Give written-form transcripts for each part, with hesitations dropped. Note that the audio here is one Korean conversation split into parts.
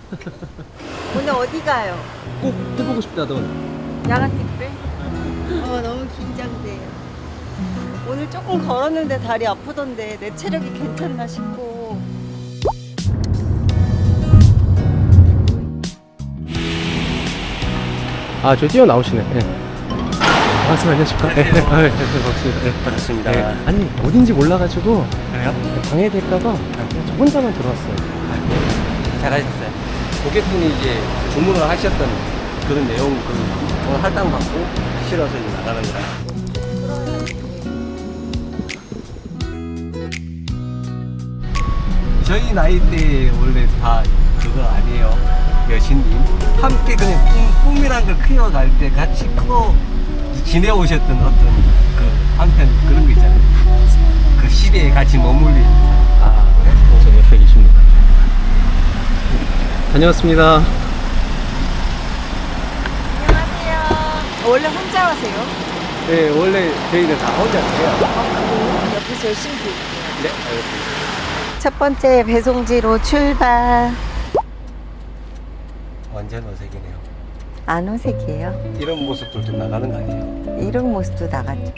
오늘 어디 가요? 꼭 해보고 싶다던. 야간 택배? 너무 긴장돼요. 오늘 조금 걸었는데 다리 아프던데 내 체력이 괜찮나 싶고. 아, 저 뛰어나오시네. 네. 반갑습니다. 안녕하십니까? 네. 아, 네. 반갑습니다. 네. 반갑습니다. 네. 아니, 어딘지 몰라가지고 그래요? 방해될까봐 저 혼자만 들어왔어요. 잘하셨어요. 고객분이 이제 주문을 하셨던 그런 내용, 오늘 할당 받고 실어서 이제 나가는 거라. 저희 나이 때 원래 다 그거 아니에요. 여신님. 함께 그냥 꿈이란 걸 키워갈 때 같이 크고 지내오셨던 어떤 그 한편 그런 거 있잖아요. 그 시대에 같이 머물리. 아, 저 옆에 계십니다. 다녀왔습니다. 안녕하세요. 원래 혼자 하세요? 네, 원래 저희는 다 혼자 해요. 옆에서 열심히 볼게요. 네, 알겠습니다. 첫 번째 배송지로 출발. 완전 어색이네요. 안 어색해요. 이런 모습들도 나가는 거 아니에요? 이런 모습도 나갔죠.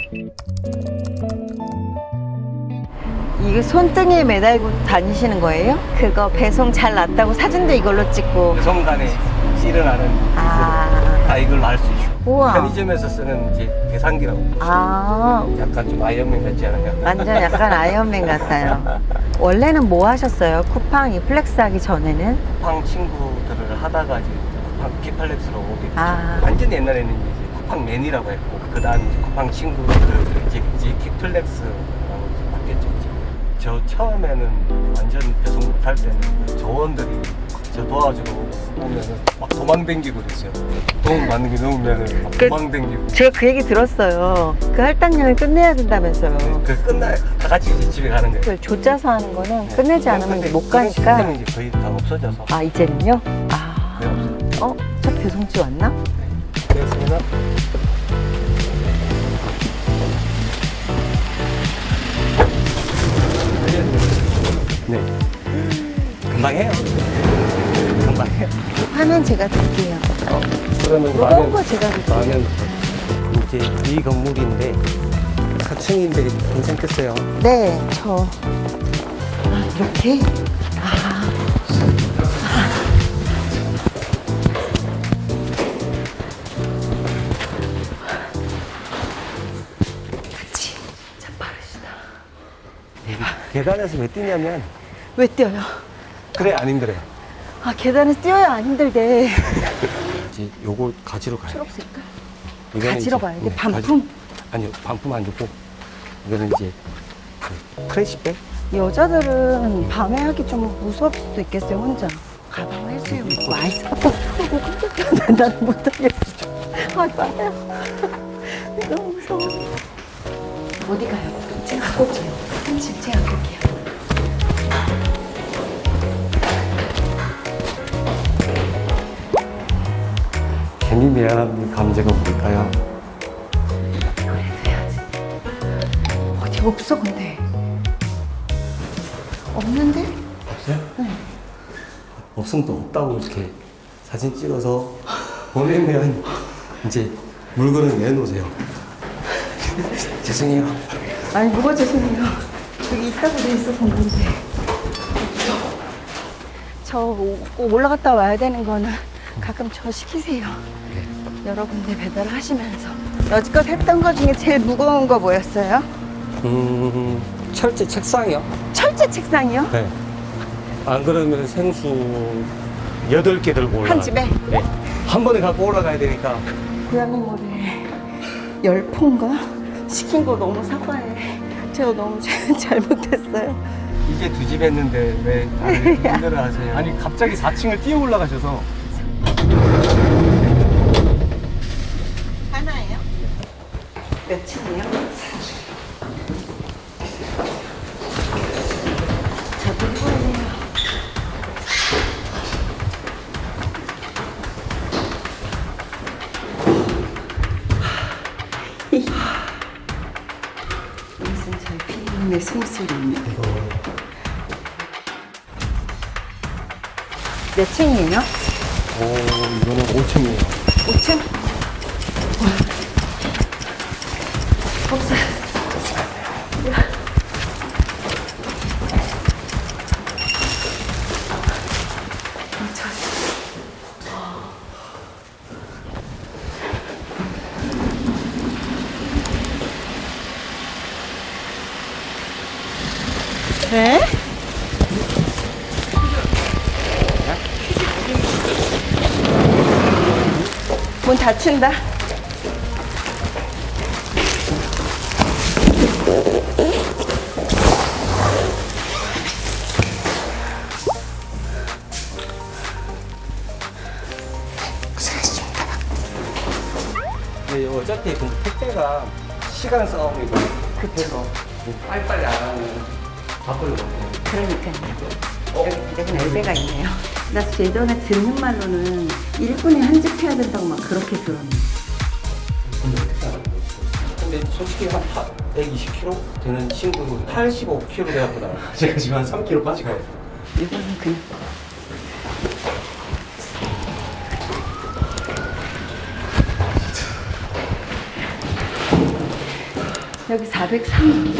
이게 손등에 매달고 다니시는 거예요? 그거 배송 잘 났다고 사진도 이걸로 찍고. 배송간에 일어나는 아, 다 이걸로 할 수 있어요. 우와. 편의점에서 쓰는 이제 계산기라고 보시면 아, 약간 좀 아이언맨 같지 않아요? 완전 약간 아이언맨 같아요. 원래는 뭐 하셨어요? 쿠팡 이 플렉스 하기 전에는? 쿠팡 친구들을 하다가 이제 쿠팡 키팔렉스로 오게 됐죠. 아. 완전 옛날에는 이제 쿠팡맨이라고 했고 그 다음 쿠팡 친구들 이제 키플렉스라고 이제 바뀌었죠. 이제. 저 처음에는 완전 배송 못할 때는 그 조원들이 저 도와주러 오면은 막 도망댕기고 그랬어요. 돈 받는 게 넘으면은 막 도망댕기고. 제가 그 얘기 들었어요. 그 할당량을 끝내야 된다면서요. 그 끝나 다 같이 이제 집에 가는 거예요. 그걸 조짜서 하는 거는 끝내지 않으면 못 가니까. 시스템이 이제 거의 다 없어져서. 아, 이제는요? 아, 네, 없어요. 첫 배송지 왔나? 그래서 네. 금방 해요. 금방 해요. 화면 제가 드릴게요. 그러면 무거운 거 제가 드릴게요. 라면 이제 이 건물인데 4층인데 괜찮겠어요? 네, 이렇게? 그치. 참 빠르시다. 계단에서 왜 뛰냐면 왜 뛰어요? 그래 안 힘들어요. 아, 계단에서 뛰어야 안 힘들대. 이제 요걸 가지러 가요. 초록 색깔. 이거는 가지러 이제, 가야 돼? 네, 반품? 아니요 반품 안 주고 이거는 이제 그 크래시백. 여자들은 밤에 하기 좀 무서울 수도 있겠어요, 혼자. 가방 할수록 많이 사고 나는 못하겠어. 아, 맞아요. 너무 무서워. 어디 가요? 제가 갖고 올게요. 30 제가 갖고 올게요. 괜히 미안한 감정은 뭘까요? 그래도 해야지. 어디 없어, 근데. 없는데? 없어요? 없으면 또 없다고 이렇게 사진 찍어서 보내면 이제 물건을 내놓으세요. 죄송해요. 아니, 뭐가 죄송해요. 여기 있다고 돼 있어, 본건데. 꼭 올라갔다 와야 되는 거는 가끔 저 시키세요. 여러 군데 배달을 하시면서. 여지껏 했던 거 중에 제일 무거운 거 뭐였어요? 철제 책상이요? 철제 책상이요? 네. 안 그러면 생수 8개 들고 올라가요. 한 집에? 네. 한 번에 갖고 올라가야 되니까. 고양이 모래 10포인가? 시킨 거 너무 사과해. 제가 너무 잘못했어요. 이제 2집 했는데 왜 다들 힘들어 하세요? 아니, 갑자기 4층을 뛰어 올라가셔서. 하나예요? 몇 층이에요? 저도 해볼래요. 무슨 저희 피디님의 숨소리입니다. 몇 층이에요? 이거는 5층이에요. 5층? 없어. 네? 문 닫힌다. 네, 어차피 그 택배가 시간 싸움이고 급해서 빨리빨리 안 하면 바쁘거든요. 그러니까요. 여기 엘베가 있네요. 나 예전에 듣는 말로는 1분에 한 집 해야 된다고 막 그렇게 들었는데. 근데 솔직히 한 120kg 되는 친구도 85kg 돼갖고 제가 지금 한 3kg 빠지고 이거는 그냥. 여기 403.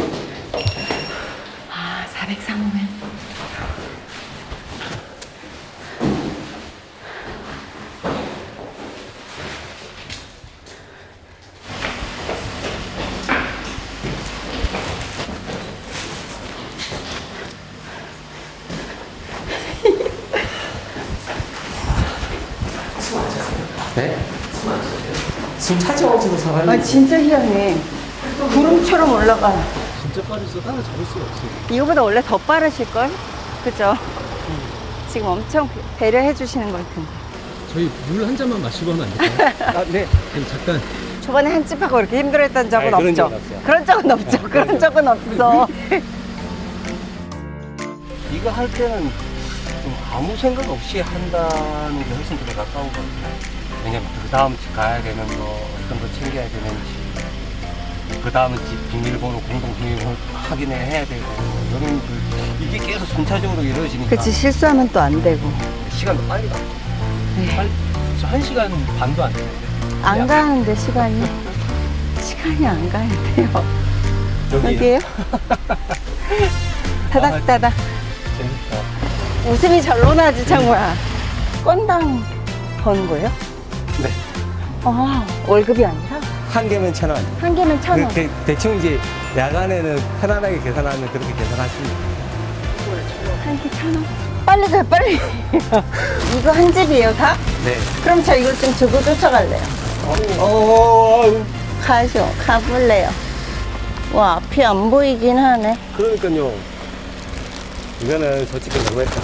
아, 403면. 네? 숨 차지하면서도 사람이 아, 진짜 희한해. 구름처럼 올라가. 진짜 빠르셔서 따라잡을 수가 없어요. 이거보다 원래 더 빠르실걸? 그죠? 지금 엄청 배려해 주시는 걸 텐데. 저희 물 한 잔만 마시고 하면 안 될까요? 아, 네. 그럼 잠깐. 초반에 한 찝하고 이렇게 힘들어했던 적은 아니, 그런 없죠? 적은 없어요. 그런 적은 없죠. 그런 적은 없어. 이거 할 때는 좀 아무 생각 없이 한다는 게 훨씬 더 가까운 것 같아요. 왜냐면 그 다음 집 가야 되는 거, 어떤 거 챙겨야 되는지, 그 다음 집 비밀번호, 공동 비밀번호 확인을 해야 되고, 이런 이게 계속 순차적으로 이루어지니까 그치, 실수하면 또 안 되고. 시간도 빨리 가고. 네. 한 1시간 반도 안 돼요. 안 가는데, 시간이. 시간이 안 가는데요. 여기에요? 다닥다닥. 재밌다. 웃음이 절로 나지, 창모야. 건당 버는 거예요? 네. 아, 월급이 아니라? 한 개면 1,000원. 한 개면 1,000원. 대충 이제 야간에는 편안하게 계산하면 그렇게 계산하시면 한 개 1,000원. 빨리 가요, 빨리. 이거 한 집이에요, 다? 네. 그럼 저 이걸 좀 주고 쫓아갈래요. 가죠, 가볼래요. 와, 앞이 안 보이긴 하네. 그러니까요. 이거는 솔직히 너무했다.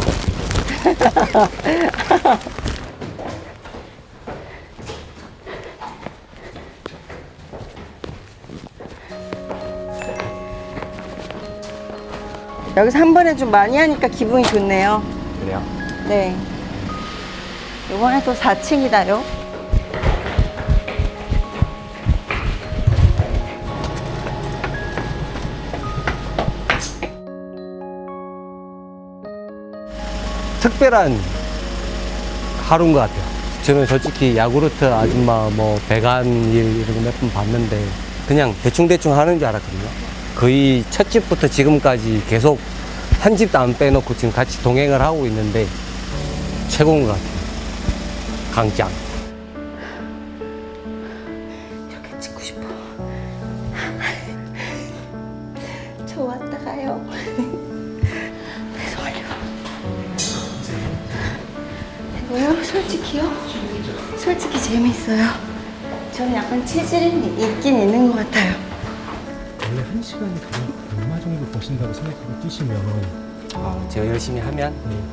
여기서 한 번에 좀 많이 하니까 기분이 좋네요. 그래요? 네. 이번에 또 4층이다요. 특별한 하루인 것 같아요. 저는 솔직히 야구르트 아줌마 뭐 배관 일 이런 거 몇 번 봤는데 그냥 대충대충 하는 줄 알았거든요. 거의 첫 집부터 지금까지 계속 한 집도 안 빼놓고 지금 같이 동행을 하고 있는데 최고인 것 같아요. 강짱. 이렇게 찍고 싶어. 저 왔다 가요. 죄송해요. 이거요? 솔직히요? 솔직히 재밌어요. 저는 약간 체질이 있긴 있는 것 같아요. 원래 1시간에 얼마 정도 버신다고 생각하고 뛰시면 제가 열심히 하면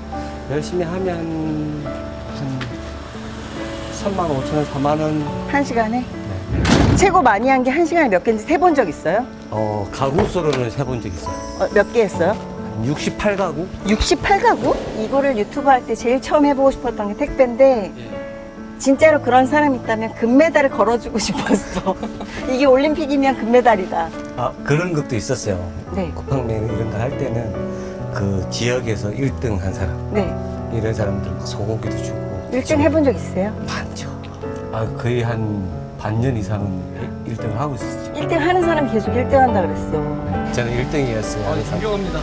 한 3만 5천 원, 4만 원. 한 시간에? 최고 많이 한 게 한 시간에 몇 개인지 세 본 적 있어요? 가구 수로는 세본 적 있어요. 몇 개 했어요? 68가구? 68가구? 이거를 유튜브 할 때 제일 처음 해보고 싶었던 게 택배인데 진짜로 그런 사람 있다면 금메달을 걸어주고 싶었어. 이게 올림픽이면 금메달이다. 그런 것도 있었어요. 네. 쿠팡맨 이런 거 할 때는 그 지역에서 1등 한 사람. 네. 이런 사람들 막 소고기도 주고 1등 해본 적 있어요? 많죠. 거의 한 반년 이상은 1등을 하고 있었죠. 1등 하는 사람 계속 1등 한다 그랬어. 저는 1등이었어요. 존경합니다.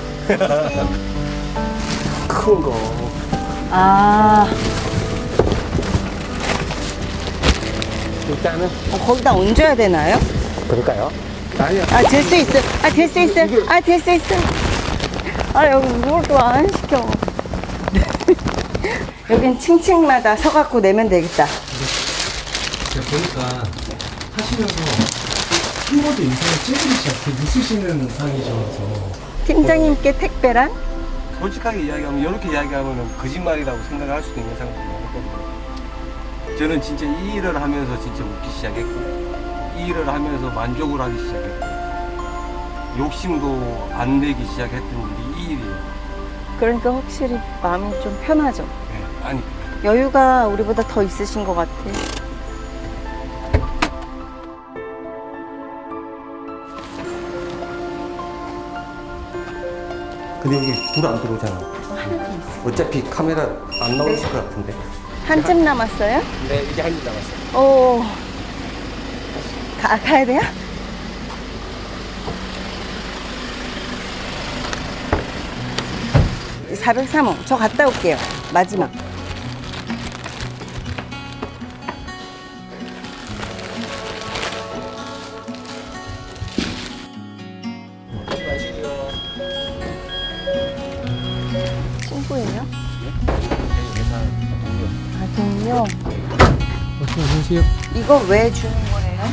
큰 거. 아, 일단은 거기다 얹어야 되나요? 그럴까요? 아니요. 아, 될 수 있어. 아, 될 수 있어. 아, 될 수 있어. 아, 여기 뭘 또 안 시켜. 여긴 층층마다 서갖고 내면 되겠다. 제가 보니까 하시면서 한 번도 인생에 찌푸리지 않게 웃으시는 상이셔서 팀장님께 택배란? 솔직하게 이야기하면 이렇게 이야기하면 거짓말이라고 생각을 할 수도 있는 상황이 많거든요. 저는 진짜 이 일을 하면서 진짜 웃기 시작했고 이 일을 하면서 만족을 하기 시작했고 욕심도 안 내기 시작했던 일이 이 일이에요. 그러니까 확실히 마음이 좀 편하죠. 네, 아니 여유가 우리보다 더 있으신 것 같아. 근데 여기 불 안 들어오잖아. 어차피 카메라 안 나오실 것 같은데. 한쯤 남았어요? 네, 이제 한 일 남았어요. 오. 가야 돼요? 이 403호. 저 갔다 올게요. 마지막. 친구예요? 아, 동료? 안녕하세요. 이거 왜 주는 거예요?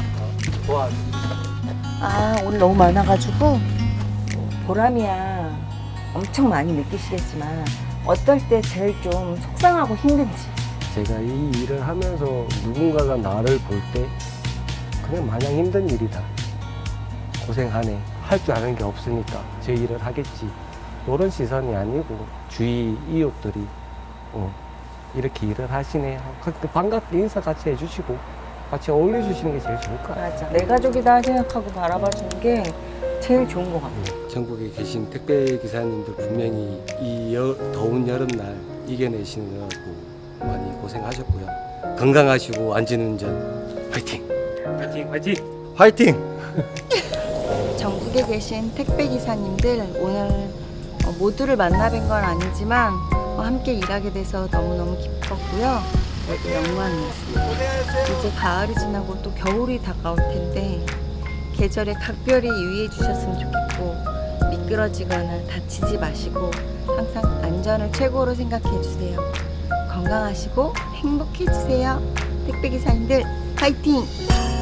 아, 오늘 너무 많아가지고 보람이야 엄청 많이 느끼시겠지만 어떨 때 제일 좀 속상하고 힘든지. 제가 이 일을 하면서 누군가가 나를 볼 때 그냥 마냥 힘든 일이다. 고생하네. 할 줄 아는 게 없으니까 제 일을 하겠지. 이런 시선이 아니고 주위 이웃들이 이렇게 일을 하시네. 반갑게 인사 같이 해주시고 같이 어울려주시는 게 제일 좋을 것 같아요. 맞아. 내 가족이다 생각하고 바라봐 주는 게 제일 좋은 것 같아. 전국에 계신 택배 기사님들 분명히 이 더운 여름날 이겨내시느라고 많이 고생하셨고요. 건강하시고 안전운전 화이팅! 화이팅! 화이팅! 화이팅! 전국에 계신 택배 기사님들 오늘 모두를 만나 뵌 건 아니지만 함께 일하게 돼서 너무너무 기뻤고요. 영광이었습니다. 이제 가을이 지나고 또 겨울이 다가올 텐데 계절에 각별히 유의해 주셨으면 좋겠고 미끄러지거나 다치지 마시고 항상 안전을 최고로 생각해 주세요. 건강하시고 행복해 주세요. 택배 기사님들 파이팅!